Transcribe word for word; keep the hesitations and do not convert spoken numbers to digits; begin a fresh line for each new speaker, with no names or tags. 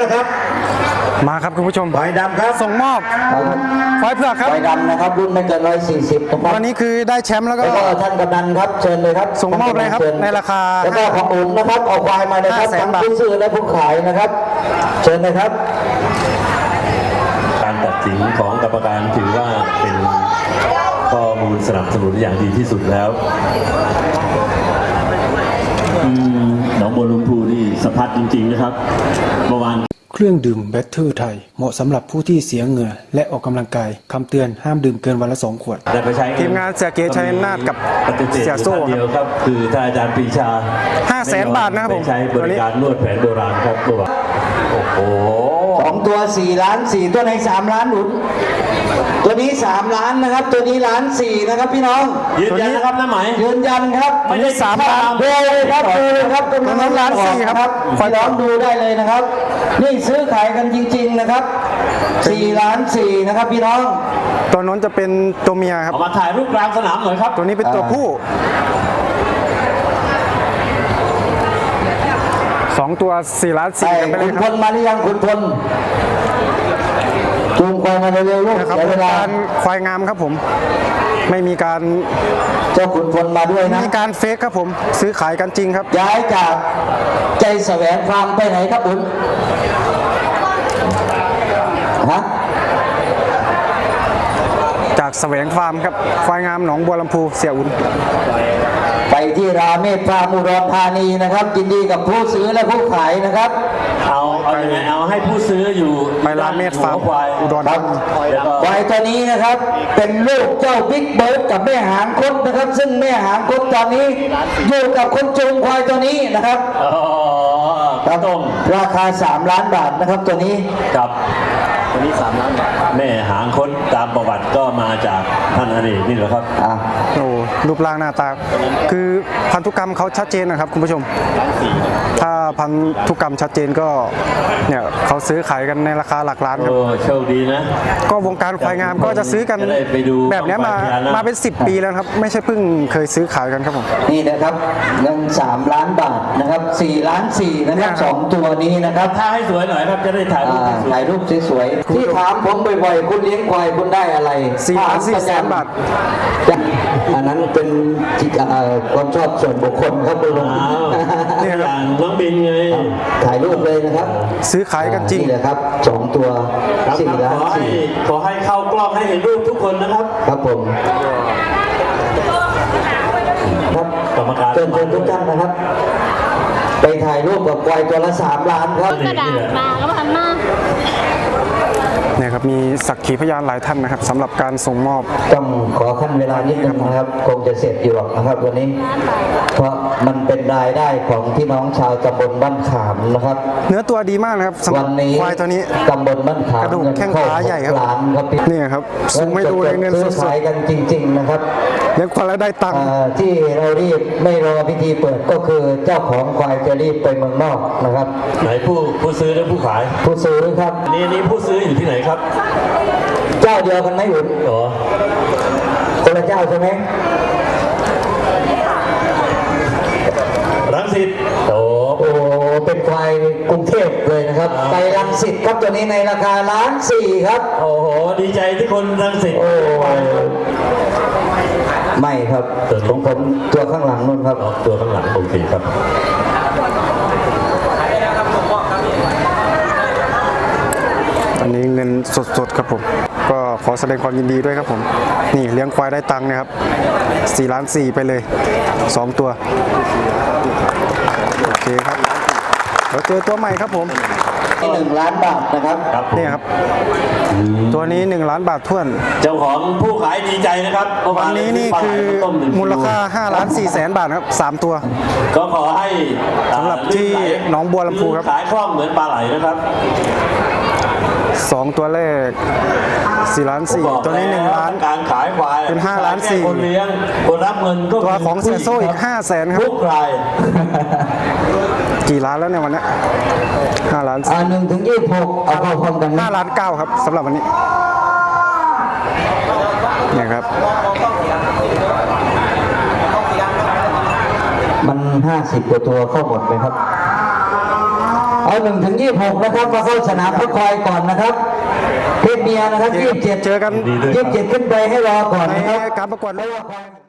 นะครับ
มาครับคุณผู้ชม
ควายดำครับ
ส่งมอบควายเผือกครับ
ควายดำนะครับรุ่นไม่เกินร้อยสี่สิบนะครับ
วันนี้คือได้แชมป์แล้วก็
ท่านกำนันครับเชิญเลยครับ
ส่งมอบเลยครับในราคา
แล้วก็ของอุ่นนะครับเอาควายมาเลยครับทั้งผู้ซื้อและผู้ขายนะครับเชิญเลยครับ
การตัดสินของกรรมการถือว่าเป็นข้อมูลสนับสนุนอย่างดีที่สุดแล้วหนองบัวลำพูนี่สะพัดจริงๆนะครับเมื่อวาน
เครื่องดื่มแบตเตอร์ไทยเหมาะสำหรับผู้ที่เสียเหงื่อและออกกำลังกายคำเตือนห้ามดื่มเกินวันละสองขวดทีมงานเสียเก๋ชัยนาทกับเสียโซ่
เดียวครับคือท่านอาจารย์ปรีชา
ห้าแสนบาทนะครับผม
ใช้บริการนวดแผนโบราณครับตัวโอ้โห
สองตัวสี่ล้านสี่ตัวในสามล้านหนุนตัวนี้สามล้านนะครับตัวนี้ล้านสี่นะครับพี่น้อง
ยืนยันนะครับน้าไหม
ยืนยันครับ
ไม่ได้สามล้าน
ดูเลยครับดูเลยครับตัวนี้ล้านสี่ครับพี่น้องดูได้เลยนะครับนี่ซื้อขายกันจริงๆนะครับสี่ล้านสี่นะครับพี่น้อง
ตัวน้นจะเป็นตัวเมียครับ
มาถ่ายรูปกลางสนามหน่อยครับ
ตัวนี้เป็นตัวผู้สองตัวสี่ล้านสี่กันไปเลยครับ
คุณพลมาหรือยังคุณพลจูงควายมาเร็วๆลูก
นะครับเป็นการควายงามครับผมไม่มีการ
เจ้าขุนพลมาด้วยนะ
มีการเฟกครับผมซื้อขายกันจริงครับ
ย้ายจากใจแสวงฟาร์มไปไหนครับคุณฮะ
จากแสวงฟาร์มครับควายงามหนองบัวลำพูเสียอุ่น
ไปที่ราเมศฟาร์มอุดรธานีนะครับยินดีกับผู้ซื้อและผู้ขายนะครับ
เอาเอาอย่างไงเอาให้ผู้ซื้ออยู่
ไปราเมศฟาร์มอุดรธานี
ควายตัวนี้นะครับเป็นลูกเจ้าบิ๊กเบิร์ดกับแม่หางคดนะครับซึ่งแม่หางคดตอนนี้อยู่กับคนจูงควายตัวนี้นะครับ
ครับตรง
ราคาสามล้านบาทนะครับตัวนี้
ครับตัวนี้สามล้านบาทแม่หางค้นตามประวัติก็มาจากท่านอเนกนี่แหละครับ
โอ้รูปร่างหน้าตาคือพันธุกรรมเขาชัดเจนนะครับคุณผู้ชมถ้าพันธุกรรมชัดเจนก็เนี่ยเขาซื้อขายกันในราคาหลักล้านครับ
โอ้โชคดีนะ
ก็วงการควายงามก็จะซื้อกันแบบนี้มามาเป็นสิบปีแล้วครับไม่ใช่เพิ่งเคยซื้อขายกันครับผม
นี่นะครับเงินสามล้านบาทนะครับสี่ล้านสี่นะครับสองตัวนี้นะครับ
ถ้าให้สวยหน่อยครับจะได้ถ่ายรูป
ถ่ายรูปสวยๆที่ถามผมบ่อยๆคุณเลี้ยงควายคุณได้อะไร
สี่ล้านสี่แสนบาท
อันนั้นเป็นความชอบส่วนบุคคลครับคุณลุง
นี่ครับน้องบินไง
ถ่ายรูปเลยนะครับ
ซื้อขายกันจริง
นี่แหละครับสองตัวสี่ล้านสี่
ขอให้เข้ากล้องให้เห็นรูปทุกคนนะครับ
ครับผมครับ
กรรมการ
เชิญทุกท่านนะครับไปถ่ายรูปกับควายตัวละสามล้านครับ
กระดาษมาก็พันมาก
เนี่ยครับมีสักขีพยานหลายท่านนะครับสำหรับการส่งมอบ
ต้องขอขั้นเวลานิดนึงนะครับคงจะเสร็จอยู่นะครับวันนี้เพราะมันเป็นรายได้ของพี่น้องชาวตำบลบ้านขามนะครับ
เนื้อตัวดีมากนะครับ
วันนี้
ควายตัวนี้
ตำบลบ้านขาม
กระดูกแข้งขาใหญ่ครับนี่ครับสูงไม่ดูเลยเงินสด
ๆกันจริงๆนะครับ
เลี้ยงควายแล้วได้ตังค์
ที่เรารีบไม่รอพิธีเปิดก็คือเจ้าของควายจะรีบไปเมืองนอกนะครับ
ไหนผู้ผู้ซื้อและผู้ขาย
ผู้ซื้อครับ
นี่นี่ผู้ซื้ออยู่ที่ไหนครับ
เจ้าเดียวกันไหมหุ่น
หรอ
คนละเจ้าใช่ไหม
รังสิตโอ้
โหเป็นควายกรุงเทพเลยนะครับไปรังสิตครับตัวนี้ในราคาล้านสี่ครับ
โอ้โหดีใจที่คนรังสิต
โอ้ไม่ครับของผมตัวข้างหลังนู่นครับ
ตัวข้างหลังโอเคครับ
อันนี้เงินสดๆครับผมก็ขอแสดงความยินดีด้วยครับผมนี่เลี้ยงควายได้ตังค์นะครับสี่ล้านสี่ไปเลยสองตัวโอเคครับเราเจอตัวใหม่ครับผม
หนึ่งล้านบาทนะครับ
นี่ครับตัวนี้หนึ่งล้านบาทท้วน
เจ้าของผู้ขายดีใจนะครับ
วันนี้นี่คือมูลค่าห้าล้านสี่แสนบาทครับสามตัว
ก็ขอให้
สำหรับที่หนองบัวลำพูครับ
ขายคล่องเหมือนปลาไหลนะครับ
สองตัวแรกสี่ล้านสี่ตัวนี้หนึ่งล้าน
การขายควาย
เป็นห้าล้านสี่
คนเลี้ยงคนรับเงินก็
ตัวของเสียโซ่อีกห้าแสนครับ
ทุกราย
กี่ล้านแล้วเนี่ยวันนี้ห้าล้าน
อ่าหนึ่งถึงยี่สิบหกเอาเข้าพร้อมกัน
ห้าล้านเก้าครับสำหรับวันนี้เนี่ยครับ
มันห้าสิบกว่าตัวเข้าหมดไหมครับเอเอาหนึ่งถึงยี่สิบหกนะครับมาเข้าสนามเพื่อคอยก่อนนะครับเพศเมียนะครับยี่สิบเจ็ด
เจอกัน
ยี่สิบเจ็ดขึ้นไปให้รอก่อนนะครับ
ในการประกวด
เพราะว่า